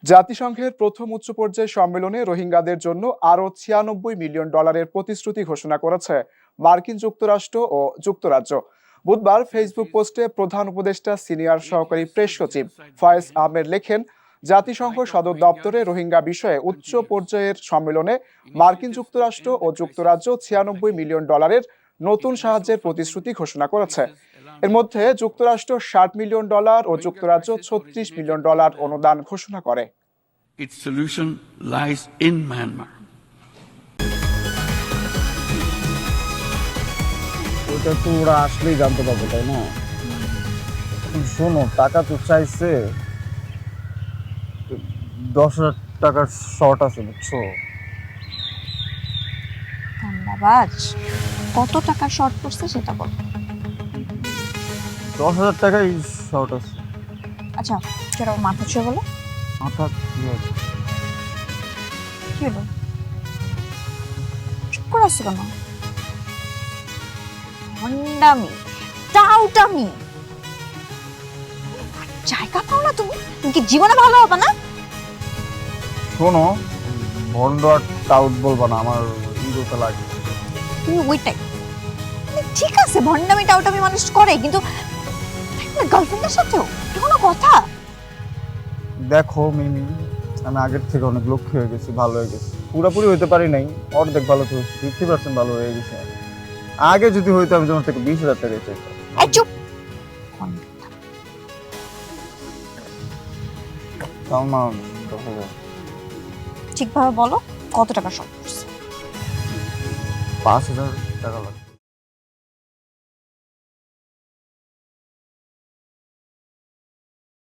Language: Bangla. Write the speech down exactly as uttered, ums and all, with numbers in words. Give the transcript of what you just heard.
জাতিসংঘের প্রথম উচ্চ পর্যায়ে সম্মেলনে রোহিঙ্গাদের জন্য আরও ছিয়ানব্বই মিলিয়ন ডলারের প্রতিশ্রুতি ঘোষণা করেছে মার্কিন যুক্তরাষ্ট্র ও যুক্তরাজ্য। বুধবার ফেসবুক পোস্টে প্রধান উপদেষ্টা সিনিয়র সহকারী প্রেস সচিব ফয়েজ আহমেদ লেখেন, জাতিসংঘ সদর দপ্তরে রোহিঙ্গা বিষয়ে উচ্চ পর্যায়ের সম্মেলনে মার্কিন যুক্তরাষ্ট্র ও যুক্তরাজ্য ছিয়ানব্বই মিলিয়ন ডলারের নতুন সাহায্যের প্রতিশ্রুতি ঘোষণা করেছে। এর মধ্যে যুক্তরাষ্ট্র ষাট মিলিয়ন ডলার ও যুক্তরাজ্য ছত্রিশ মিলিয়ন ডলার অনুদান ঘোষণা করে। Its solution lies in Myanmar. ওটা তো ওরা আসলেই জানতে পারবে, তাই না? শোনো, টাকা তো চাইছে, দশ হাজার টাকার শর্ট আছে, বুঝছো? ধন্যবাদ। কত টাকার শর্ট পড়ছে সেটা বল। দশ হাজার টাকাই শর্ট আছে। আচ্ছা, সেটা মাথা ছুঁয়ে বলো। মাথা কি হলো? চুপ করে আসছো কেন? ভণ্ডামি, টাউটামি, জায়গা পাও না তুমি? তুমি কি জীবনে ভালো হবে না? শোনো, ভন্ড আর টাউট বলবা না, আমার ইগোতে লাগে। তুমি ওইটাই ঠিক আছে, ভণ্ডামি টাউটামি মানুষ করে, কিন্তু গার্লফ্রেন্ডের সাথেও কোনো কথা? দেখো মিমি, আমি আগের থেকে অনেক লক্ষ্য হয়ে গেছি, ভালো হয়ে গেছি। পুরোপুরি হইতে পারি নাই, অর্ধেক ভালো তো হয়েছে, ফিফটি পার্সেন্ট ভালো হয়ে গেছে। আগে যদি হইতো আমি তোমার থেকে বিশ হাজার টাকা চাইতাম। এই চুপ। তাও না, দশ হাজার। ঠিকভাবে বলো, কত টাকা শর্ট পড়ছে? পাঁচ হাজার টাকা লাগবে।